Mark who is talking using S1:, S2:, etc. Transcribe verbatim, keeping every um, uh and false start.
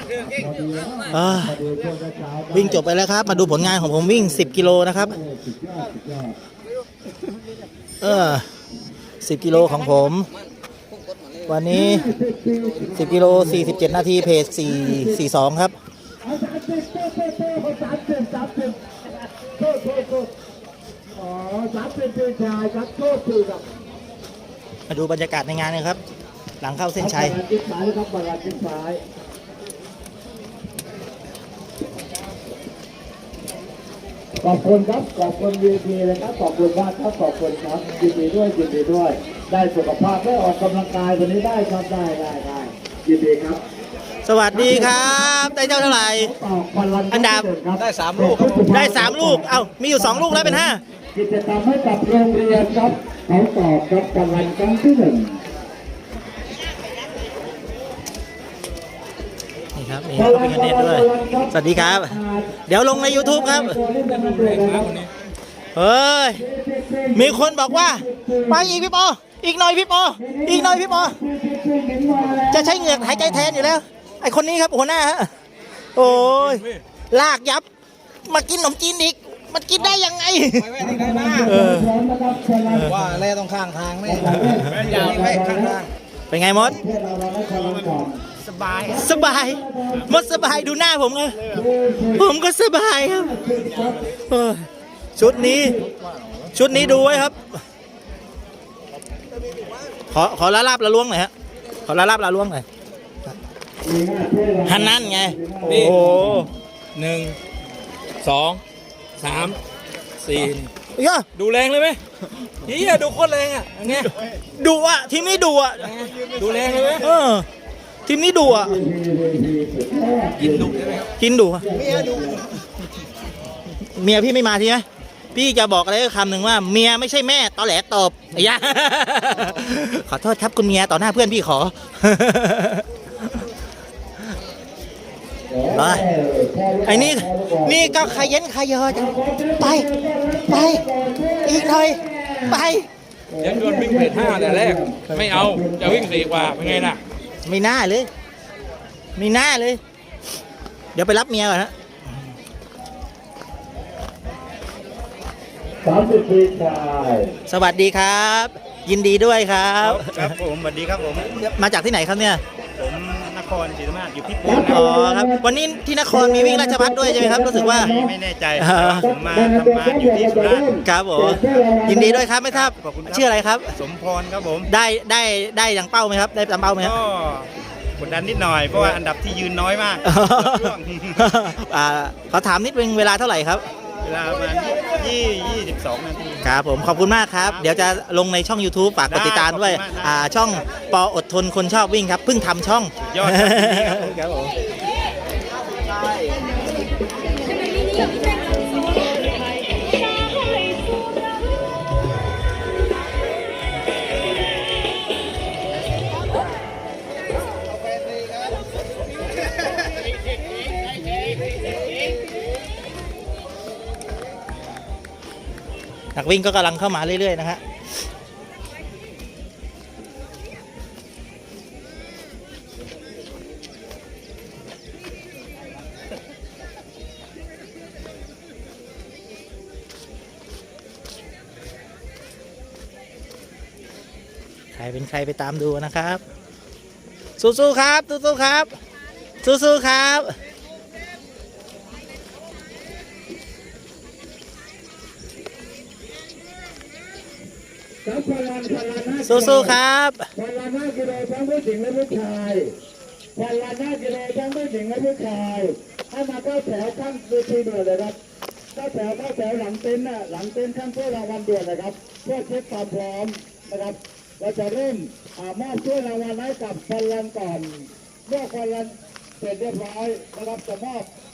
S1: วิ่งจบไปแล้วครับมาดูผลงานของผมวิ่งสิบกิโลนะครับเออสิบกิโลของผมวันนี้สิบกิโลสี่สิบเจ็ดนาทีเพจสี่ สี่สองครับมาดูบรรยากาศในงานเลยครับหลังเข้าเส้นชัย
S2: ขอบคุณครับขอบคุณวีพีเลยครับขอบคุณมากครับขอบคุณครับยินดีด้วยยินดีด้วยได้สุขภาพได้ออกกำลังกายวันนี้ได้ครับได้ได้ได้ยินดีครับ
S1: สวัสดีครับได้เท่าไหร่อันดับ
S3: ได้สามลูก
S1: ได้สามลูกเอ้ามีอยู่สองลูกแล้วเป็นห้า
S2: กิจกรรมให้กับโรงเรียนครับเขาตอบครับรางวัลครั้งที่หนึ่ง
S1: นี่ครับนี่เขาเป็นกันเด็ดด้วยสวัสดีครับเดี๋ยวลงใน YouTube ครับเฮ้ยมีคนบอกว่าไปอีกพี่ปออีกหน่อยพี่ปออีกหน่อยพี่ปอจะใช้เหงือกหายใจแทนอยู่แล้วไอคนนี้ครับหัวหน้าฮะโอ้ยลากยับมากินขนมจีนอีกมันกินได้ยังไง
S3: ว่าแร่ต้องข้างทางไม่อยากไม่ข้างทาง
S1: เป็นไงมด
S3: สบาย
S1: สบายมดสบายดูหน้าผมเลยผมก็สบายครับชุดนี้ชุดนี้ดูไว้ครับขอขอละลาบละล้วงหน่อยฮะขอละลาบละล้วงหน่อยฮันนั่นไงโอ้
S3: หนึ่งสองสามสี่
S1: ย่า
S3: ดูแรงเลยไหมเฮียดูโคตรแรงอ่ะอย่างเงี้ย
S1: ดูอ่ะทีมนี้ดูอ่ะ
S3: ดูแรงเลยไหม
S1: เออทีมนี้ดูอ่ะ
S3: กินดุใช่ไหมครับ
S1: กินดุเมียดุเมียพี่ไม่มาทีไหมพี่จะบอกอะไรคำหนึ่งว่าเมียไม่ใช่แม่ตอแหลตบไอ้ยะขอโทษครับคุณเมียต่อหน้าเพื่อนพี่ขอไอ้นี่นี่ก็ขยันขยอจังไปไปอีกหน่อยไป
S3: ยังโดนวิ่งเพจห้าแต่แรกไม่เอาจะวิ่งสี่กว่าเป็นไงล่ะ
S1: ไม่น่าเลยไม่น่าเลยเดี๋ยวไปรับเมียก่อนนะ
S2: สามสิบปีชาย
S1: สวัสดีครับยินดีด้วยครับ
S3: ครับผมสวัสดีครับผม
S1: มาจากที่ไหนครับเนี่ย
S3: ผมนครศรีธรรมราชอยู่ที่ปูน
S1: อ๋อครับวันนี้ที่นครมีวิ่งราชภัฏด้วยใช่ไหมครับรู้สึกว่า
S3: ไม่แน่ใจผมมาทำงานอยู่ที่สุราษฎร์
S1: ครับผมยินดีด้วยครับไม่ทราบชื่ออะไรครับ
S3: สมพรครับผม
S1: ได้ได้ได้ดังเป้าไหมครับได้ตามเป้าไหมครับ
S3: ก็กดดันนิดหน่อยเพราะว่าอันดับที่ยืนน้อยมาก
S1: อ่าขอถามนิดนึงเวลาเท่าไหร่ครับ
S3: เวลาประมาณยี่ยี่สิบสองนาที
S1: ครับผมขอบคุณมากครับเดี๋ยวจะลงในช่อง YouTube ฝากกดติดตามด้วยอ่าช่องปออดทนคนชอบวิ่งครับเพิ่งทำช่อง
S3: ยอด
S1: ครับผมนักวิ่งก็กำลังเข้ามาเรื่อยๆนะฮะใครเป็นใครไปตามดูนะครับสู้ๆครับสู้ๆครับสู้ๆครับสู้ๆครับ
S2: วันละห้ากิโลทั้งผู้หญิงและผู้ชายวันละห้ากิโลทั้งผู้หญิงและผู้ชายให้มาเข้าแถวข้างเวทีด่วนเลยครับเข้าแถวเข้าแถวหลังเต็นท์น่ะหลังเต็นท์ข้างเพื่อรางวัลด่วนนะครับเพื่อเช็คความพร้อมนะครับเราจะเริ่มมอบถ้วยรางวัลให้กับพลังก่อนเมื่อพลังเสร็จเรียบร้อยนะครับจะมอบ